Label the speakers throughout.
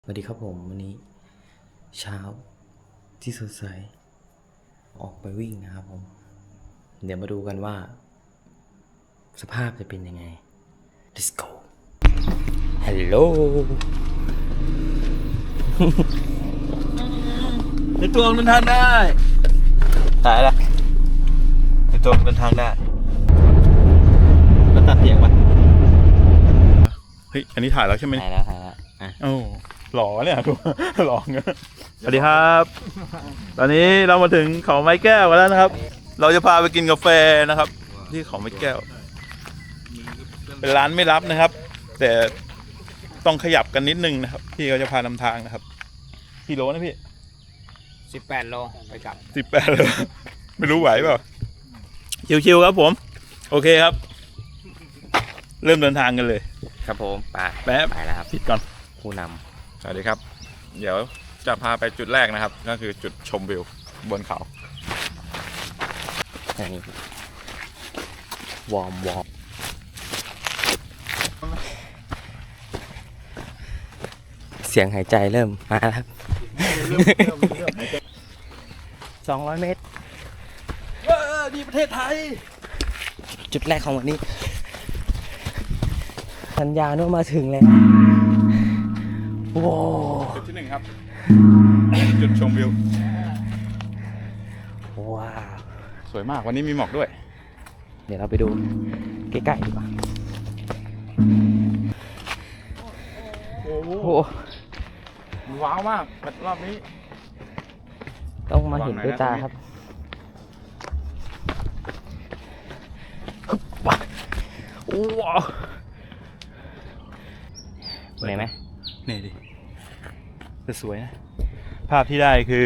Speaker 1: สวัสดีครับผมวันนี้เช้าที่สดใสออกไปวิ่งนะครับผมเดี๋ยวมาดูกันว่าสภาพจะเป็นยังไง Let's go Hello
Speaker 2: ในตัวเดินทางได้ถ่ายละในตัวเดินทางได้แล้วตัดเสียงปะเฮ้ยอันนี้ถ่ายแล้วใช่ไหม
Speaker 1: ถ่ายแล้วอ่ะ
Speaker 2: โอ้หล่อเนี่ยดูหล่อเงี้ยสวัสดีครับ ตอนนี้เรามาถึงเขาไม้แก้วกันแล้วนะครับ เราจะพาไปกินกาแฟนะครับ ที่เขาไม้แก้ว เป็นร้านไม่รับนะครับ แต่ต้องขยับกันนิดนึงนะครับพี่เขาจะพานำทางนะครับกี่โลนะพี่
Speaker 1: 18 โลไปกลับ
Speaker 2: 18เลยไม่รู้ไหวเปล่าชิวๆครับผมโอเคครับเริ่มเดินทางกันเลย
Speaker 1: ครับผมไปแล้วครับ
Speaker 2: ผิดก่อน
Speaker 1: ผู้น
Speaker 2: สวัสดีครับเดี๋ยวจะพาไปจุดแรกนะครับก็คือจุดชมวิวบนเขา
Speaker 1: ำอันนี้วอร์มเสียงหายใจเริ่มมาแล้วครับ200 เมตร
Speaker 2: ดีประเทศไทย
Speaker 1: จุดแรกของวันนี้สัญญาณว่ามาถึงแล้วโว้
Speaker 2: จุดที่1ครับจุดชมวิว
Speaker 1: ว้าว
Speaker 2: สวยมากวันนี้มีหมอกด้วย
Speaker 1: เดี๋ยวเราไปดูใกล้ๆดีกว่า
Speaker 2: โอ้โหว้าวมากรอบนี้
Speaker 1: ต้องมาเห็นด้วยตาครับว้าวเหนื่อยไหม
Speaker 2: นี่ดิจะสวยนะภาพที่ได้คือ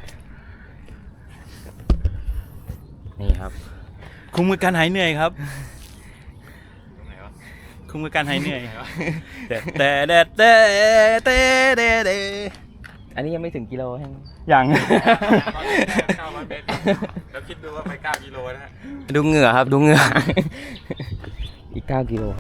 Speaker 1: นี่ครับ
Speaker 2: คุ้มกับการหายเหนื่อยครับคุ้มกับการหายเหนื่อยแต่
Speaker 1: อันนี้ยังไม่ถึงกิโลใช่ไหม
Speaker 2: ยัง900 เมตรแล้วคิดดูว่าไป9 กิโลนะฮะ
Speaker 1: ดูเหงื่อครับดูเหงื่ออีก9 กิโล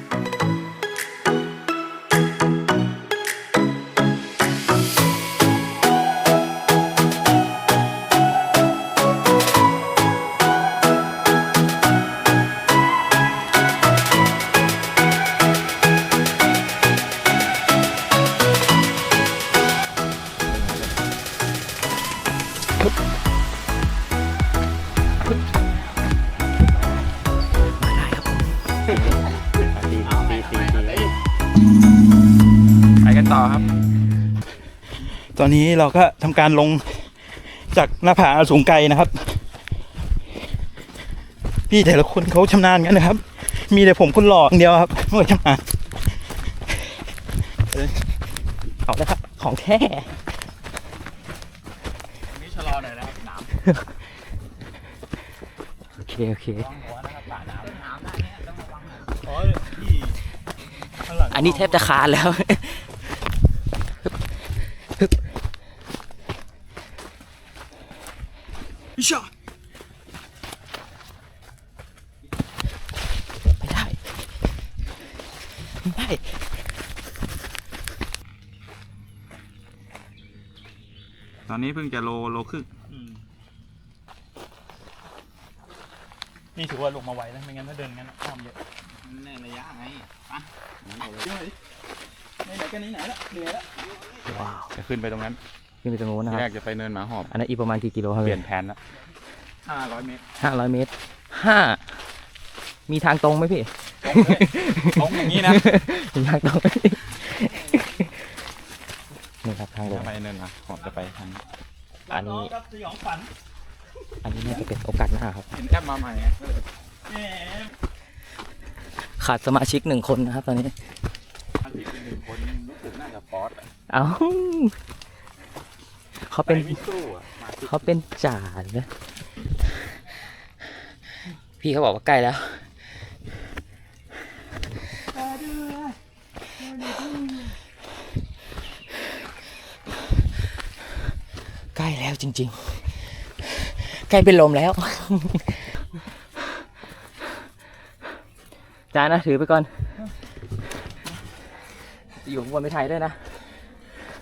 Speaker 2: ไปกันต่อครับตอนนี้เราก็ทำการลงจากหน้าผาสูงไกลนะครับพี่แต่ละคนเขาชำนาญกันนะครับมีแต่ผมคนหล่ออย่างเดียวครับไม่ชำนาญ
Speaker 1: เอาละครับของแท้
Speaker 2: นี่ชะลอหน่อยนะครับน้ำ
Speaker 1: โอเคอันนี้แทบจะคานแล้วไม่ได้
Speaker 2: ตอนนี้เพิ่งจะโลครึ่งนี่ถือว่าลงมาไวแล้วไม่งั้นถ้าเดินงั้นอ้อมเยอะแน่ระยะไงอ่ะไหนกันนี้ไหนละเหนื่อยละ
Speaker 1: ว้าว
Speaker 2: จะขึ้นไปตรงนั้น
Speaker 1: ขึ้นไปตรงโน้นนะครับ
Speaker 2: แรกจะไปเนินหมาหอบ
Speaker 1: อันนั้นอีกประมาณกี่กิโลครับ
Speaker 2: เปลี่ยนแผนละ500 เมตร
Speaker 1: 500 เมตรมีทางตรงไหมพี่
Speaker 2: ตรงอย่างนี้นะ
Speaker 1: มีทางตรงนี่ครับทางลง
Speaker 2: ไปเนินหมาหอบจะไปทาง
Speaker 1: อันนี้น่าจะเป็นโอกาสหน้าครับ
Speaker 2: เห็นแอปมาใหม่
Speaker 1: ขาดสมาชิก1 คนนะครับตอนนี้
Speaker 2: 1 คนรู้สึกน่าจะฟอส
Speaker 1: เอาเขาเป็นจ่าเลยพี่เขาบอกว่าใกล้แล้วใกล้แล้วจริงๆใกล้เป็นลมแล้วจานนะถือไปก่อนอยู่บนไปถ่ายด้วยนะ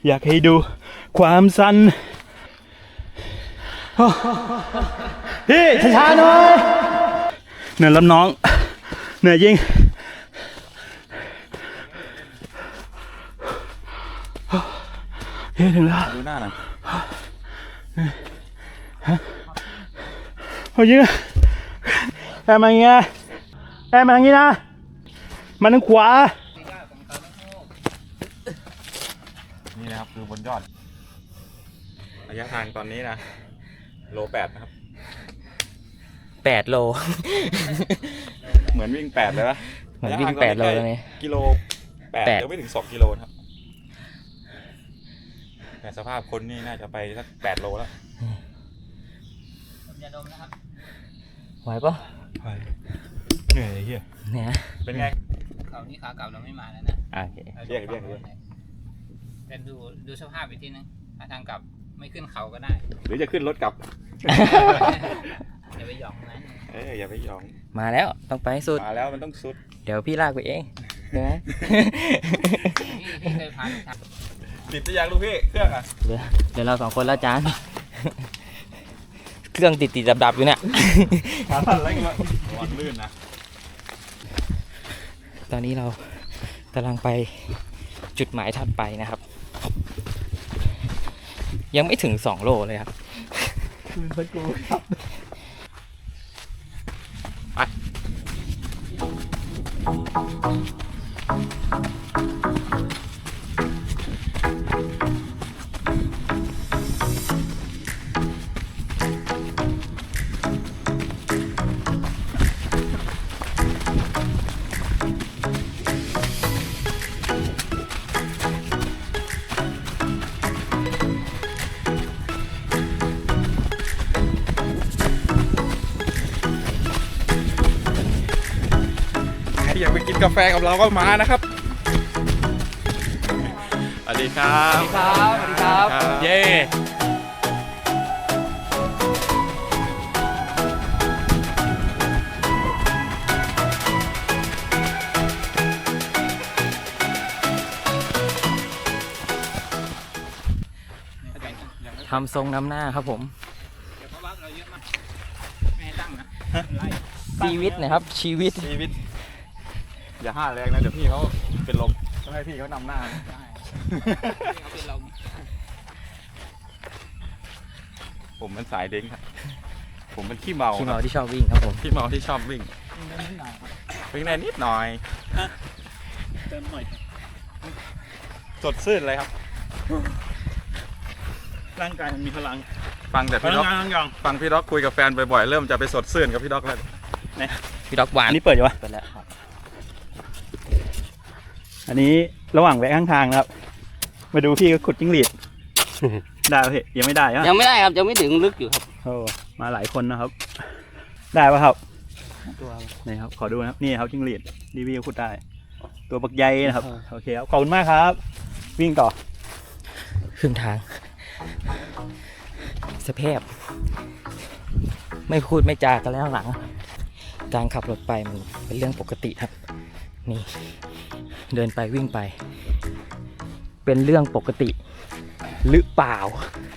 Speaker 2: อยากให้ดูความสั่นพี่ช้าๆหน่อยเหนื่อยแล้วน้องเหนื่อยจริงเฮ้ยถึงแล้วดูหน้าหน่อยโอ้ยแอบมาอย่างเงี้ยแอบมาอย่างงี้นะมันทางขวานี่นะครับคือบนยอดระยะทางตอนนี้นะโล 8นะครับ
Speaker 1: 8 โล
Speaker 2: เหมือนวิ่ง8เลยปะ
Speaker 1: เหมือนวิ่ง8 โลเลย
Speaker 2: กิโล8ยังไม่ถึง2 กิโลครับแต่สภาพคนนี่น่าจะไปสัก8 โลแล้ว
Speaker 3: อย่าดมนะครับ
Speaker 1: ไหวปะ
Speaker 2: ไปเหนื่อยเฮีย
Speaker 1: เนี่ย
Speaker 2: เป็นไง
Speaker 3: เขานี่ขาเก่าเราไม่มาแล้วนะ
Speaker 1: โอเค
Speaker 2: เรียก
Speaker 3: แต่ดูสภาพอีกทีนึงถ้าทางกลับไม่ขึ้นเขาก็ได้
Speaker 2: หรือจะขึ้นรถกลับ
Speaker 3: อย่าไปหยองนะ
Speaker 2: อย่าไปยอง
Speaker 1: มาแล้วต้องไปให้สุด
Speaker 2: มาแล้วมันต้องสุด
Speaker 1: เดี๋ยวพี่ลากไปเองเดี๋ยวนะ
Speaker 3: พี่เคยพาไปท
Speaker 2: ติดจะยังลูกพี่เครื่องอ่ะ
Speaker 1: เดี๋ยวเรา2 คนแล้วจาน เครื่องติดดับๆอยู่เนี่ย
Speaker 2: ขาสั่นอะไรกันวะระวังลื่นนะ
Speaker 1: ตอนนี้เรากำลังไปจุดหมายถัดไปนะครับ ยังไม่ถึง2 โลเลยครับ
Speaker 2: ใครอยากไปกินกาแฟกับเราก็มานะครับสวัสดีครับ
Speaker 1: สวัสดีครับ เย้ ทำทรงนำหน้าครับผม
Speaker 3: ำเดี๋ยวเพราะว่าเราเยอะมากไม่ให้ตั้งนะไล่
Speaker 1: ชีวิตนะครับ ชีวิต
Speaker 2: ชีวิตอย่าห้าแรงนะเดี๋ยวพี่เขาเป็นลมต้องให้พี่เขานำหน้า
Speaker 3: ได้เขาเป็นลม
Speaker 2: ผมเป็นสายเด้งครับผมเป็นขี้เมา
Speaker 1: ที่เมาที่ชอบวิ่งครับผม
Speaker 2: ขี้เมาที่ชอบวิ่งวิ่งได้นิดหน่อย
Speaker 3: เติมหน่อย
Speaker 2: สดชื่นเลยครับ
Speaker 4: ร่างกายมันมีพลัง
Speaker 2: ฟังแต่
Speaker 4: พ
Speaker 2: พี่
Speaker 4: ลั
Speaker 2: ด็
Speaker 4: ง
Speaker 2: อก
Speaker 4: งานทั้งอย่าง
Speaker 2: ฟังพี่ด็อกคุยกับแฟนบ่อยๆเริ่มจะไปสดชื่นกับพี่ด็อกแล้ว
Speaker 1: พี่ด็อกหวาน
Speaker 4: อันนี้เปิดอยู่ปะ
Speaker 1: ไปแล้วครับ
Speaker 4: อันนี้ระหว่างแวะข้างทางนะครับ มาดูพี่ก็ขุดจิ้งหรีด ได้ปะพี่ยังไม่ได้อะ
Speaker 3: ยังไม่ได้ครับยังไม่ถึงลึกอยู่ครับ
Speaker 4: โอ้มาหลายคนนะครับ ได้ปะครับ
Speaker 3: ตัว
Speaker 4: นี่ครับขอดูนะครับนี่ครับจิ้งหรีดรีวิวขุดได้ ตัวบักใหญ่นะครับโอเคครับขอบคุณมากครับ วิ่งต่อ
Speaker 1: ครึ่งทาง สภาพไม่พูดไม่จากันแล้วหลัง การขับรถไปมันเป็นเรื่องปกติครับ นี่ เดินไปวิ่งไป เป็นเรื่องปกติหรือเปล่า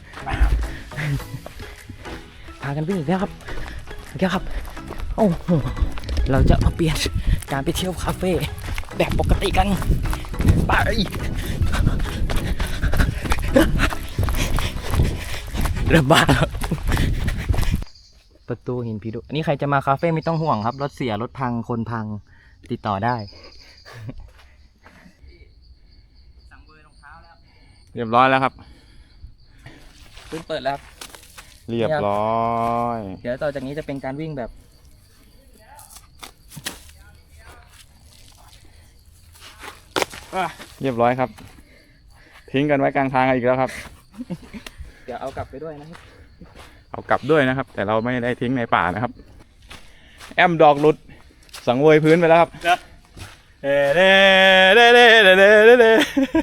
Speaker 1: พากันวิ่งอีกแล้วครับอีกแล้วครับ โอ้โหเราจะมาเปลี่ยนการไปเที่ยวคาเฟ่แบบปกติกันไประบาดประตูหินผีดุอันนี้ใครจะมาคาเฟ่ไม่ต้องห่วงครับ รถเสียรถพังคนพังติดต่อได้
Speaker 3: สั่งเบอร์รองเท้าแล้ว
Speaker 2: เรียบร้อยแล้วครับ
Speaker 1: พื้นเปิดแล้วครับ
Speaker 2: เรียบร้อย
Speaker 1: เดี๋ยวต่อจากนี้จะเป็นการวิ่งแบบ
Speaker 2: เรียบร้อยครับ ทิ้งกันไว้กลางทางอีกแล้วครับ
Speaker 1: เดี๋ยวเอากลับไปด้วยนะครับ
Speaker 2: เอากลับด้วยนะครับ แต่เราไม่ได้ทิ้งในป่านะครับ แอมดอกหลุด สังเวยพื้นไปแล้วครับเด้เด้เด้เด้เด้เด้เด้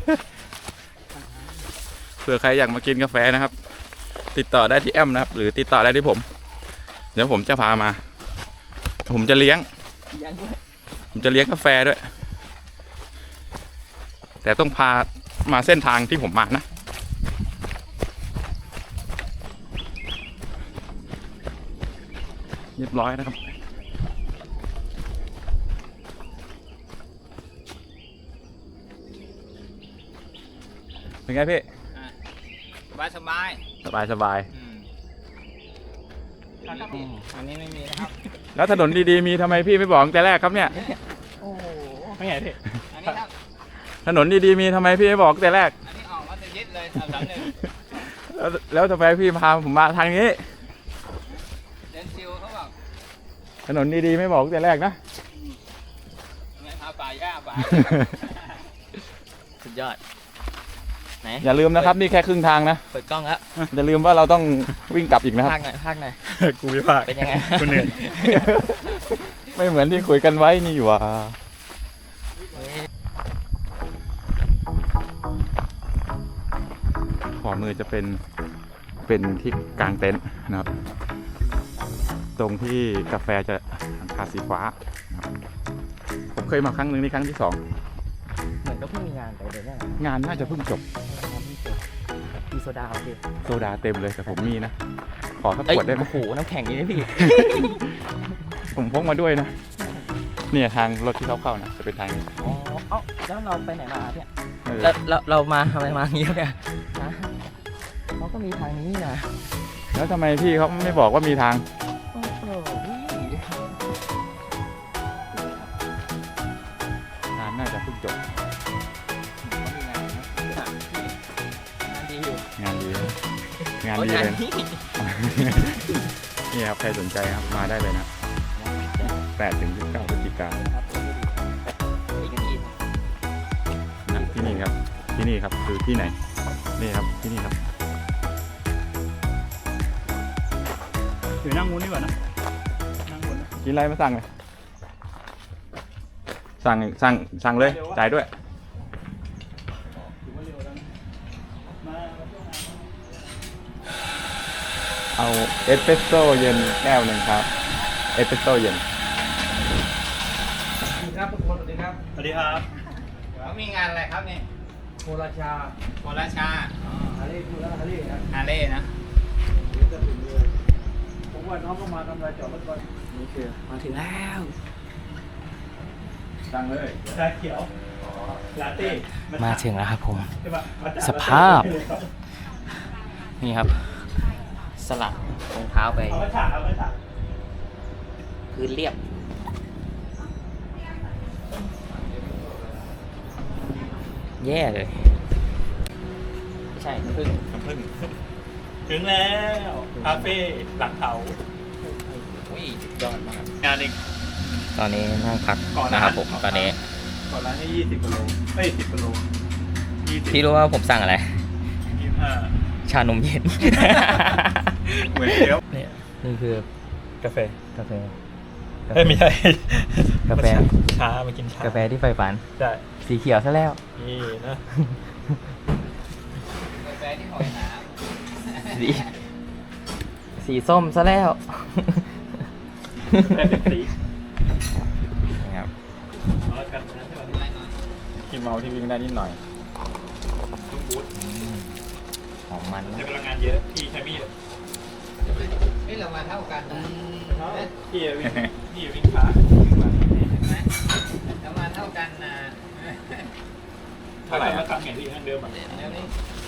Speaker 2: เผื่อใครอยากมากินกาแฟนะครับ ติดต่อได้ที่แอมนะครับ หรือติดต่อได้ที่ผม เดี๋ยวผมจะพามา ผมจะเลี้ยง ผมจะเลี้ยงกาแฟด้วย แต่ต้องพามาเส้นทางที่ผมมานะเรียบร้อยนะครับเป็นไงพี่
Speaker 3: สบายสบาย
Speaker 2: สบายสบาย
Speaker 3: อันนี้ไม่มีนะครับ
Speaker 2: แล้วถนนดีๆมีทำไมพี่ไม่บอกตั้งแต่แรกครับเนี่ย
Speaker 3: โอ้โห
Speaker 4: ไม่ไงพี่
Speaker 3: อันนี้ครับ
Speaker 2: ถนนดีๆมีทำไมพี่ไม่บอกตั้งแต่แรก
Speaker 3: อันนี้ออกมาจะยึดเลยสามหลังหนึ่ง
Speaker 2: แล้วทำไมพี่พาผมมาทางนี้
Speaker 3: เดินซิวเขาบอก
Speaker 2: ถนนดีๆไม่บอกตั้งแต่แรกนะ
Speaker 3: ไม่พาป่าหญ้าป่า
Speaker 1: สุดยอด ไหน
Speaker 2: อย่าลืมนะครับนี่แค่ครึ่งทางนะ
Speaker 1: เปิดกล้องแล้ว
Speaker 2: อย่าลืมว่าเราต้องวิ่งกลับอีกนะครับ
Speaker 1: ภาคหน่อยภาคหน่อย
Speaker 2: กูไม่พา
Speaker 1: เป็นยังไง
Speaker 2: กูเหนื่อย ไม่เหมือนที่คุยกันไว้นี่หว่าขวามือจะเป็นที่กลางเต็นท์นะครับ ตรงที่กาแฟจะหลังคาสีฟ้านะครับผมเคยมาครั้งหนึ่งนี่ครั้งที่
Speaker 1: เหมือนก็เพิ่งมีงานไปเดี๋ยวนี้
Speaker 2: 2 งานน่าจะเพิ่งจบ
Speaker 1: มีโซดาโอเค
Speaker 2: โซดาเต็มเลยแต่ผมมีนะ ขอสัก
Speaker 1: เอ้ย
Speaker 2: ขวดได้ไหม
Speaker 1: โอ้โหน้ำแข็งนี่นะพี่
Speaker 2: ผมพกมาด้วยนะ เนี่ยทางรถที่เขาเข้านะจะเป็นทางนี้
Speaker 1: อ๋อเอ้าแล้วเราไปไหนมาเนี่ย
Speaker 2: เออ
Speaker 1: แล้วเรามาทำไมมาอย่างนี้เนี่ยฮะเขาก็มีทางนี้นะ
Speaker 2: แล้วทำไมพี่เขาไม่บอกว่ามีทาง
Speaker 1: โอ้โห
Speaker 2: งานน่าจะเพิ่งจบ
Speaker 1: งานดีอยู่
Speaker 2: งานดีนะงาน
Speaker 1: โอ้
Speaker 2: ดี
Speaker 1: งาน
Speaker 2: เลย
Speaker 1: นี้
Speaker 2: นี่ครับใครสนใจครับมาได้เลยนะ8 ถึง 19 พฤศจิกายน
Speaker 1: ครับอีกที
Speaker 2: นะที่นี่ครับที่นี่ครับคือที่ไหนนี่ครับที่นี่ครับ
Speaker 4: เดี๋ยวนั่งงูนดีกว่านะนั่งงูนนะ
Speaker 2: กินอะไรมาสั่งเลยสั่งเลยจ่ายด้วย
Speaker 4: ถือว่าเร็วแล้วนะมาช่วงงาน
Speaker 2: เอาเอสเปรสโซ่เย็นแก้วหนึ่งครับเอสเปรสโซ่เย็น
Speaker 5: ครับทุกคนสวัสดีครับ
Speaker 4: สวัสดีครับ
Speaker 3: เขามีงานอะไรครับนี่
Speaker 5: โคราชา
Speaker 3: โคราชา
Speaker 5: ฮาเล่พูดแล้วฮาเล่ครับ
Speaker 3: ฮาเล่นะ
Speaker 5: เดี๋ยวจะถึงเลยผมว่าน้องก็มาทำอะไรจอดรถก่อน
Speaker 1: นี่คือมาถึงแล้ว
Speaker 2: สั่งเลย
Speaker 4: ชาเขียวลาเต้
Speaker 1: มาถึงแล้วครับผม
Speaker 4: ใช่ปะมาจาก
Speaker 1: สภาพ นี่ครับ สลัดรองเท้าไป
Speaker 4: เอามาฉากเอามาฉาก
Speaker 1: พื้นเรียบ แย่เลย ไม่ใช่น้ำผึ้ง
Speaker 4: น้ำผึ้งถึงแล้วคาเฟ่หลังเขา
Speaker 1: อุ้ยยอดมาก
Speaker 4: งานเอง
Speaker 1: ตอนนี้นั่งพัก
Speaker 4: ก่อนนะ
Speaker 1: นะครับผม ตอนนี้
Speaker 4: ก่อนร้านให้20กิโลเอ้ย10กิโล20
Speaker 1: พี่รู้ว่าผมสั่งอะไร
Speaker 4: 25
Speaker 1: ชานมเย็น
Speaker 4: เหมือนเดียว
Speaker 1: เนี่ยนี่คือก
Speaker 4: าแฟ
Speaker 1: กาแฟ
Speaker 4: เฮ้ยไม่ใช่
Speaker 1: กาแฟ
Speaker 4: ช้ามากินช้าก
Speaker 1: าแฟที่ใฝ่ฝัน
Speaker 4: ใช่
Speaker 1: สีเขียวซะแล้ว
Speaker 4: นี่นะ
Speaker 3: กาแฟที่หอยหนา
Speaker 1: สีสีส้มซะแล้ว
Speaker 4: แค่เป็นสี
Speaker 1: นะครับ
Speaker 4: เอาละกันนะใช่ไหม
Speaker 2: ที่เมาที่วิ่งได้นิดหน่อย
Speaker 4: ตุ้มบูท
Speaker 1: หอมมัน
Speaker 4: ใช้
Speaker 1: นะ
Speaker 4: พลังงานเยอะพี่ใช้มีด
Speaker 3: นี่เรามาเท่ากันนะ
Speaker 4: พี่วิ่งช้า
Speaker 3: ใช่ไหมเรามาเท่ากันนะ
Speaker 2: เท่าไหร่
Speaker 4: มา
Speaker 2: อะ
Speaker 4: ทำไงพี่ทางเดิมอ่ะ
Speaker 3: เดี๋ยวนี้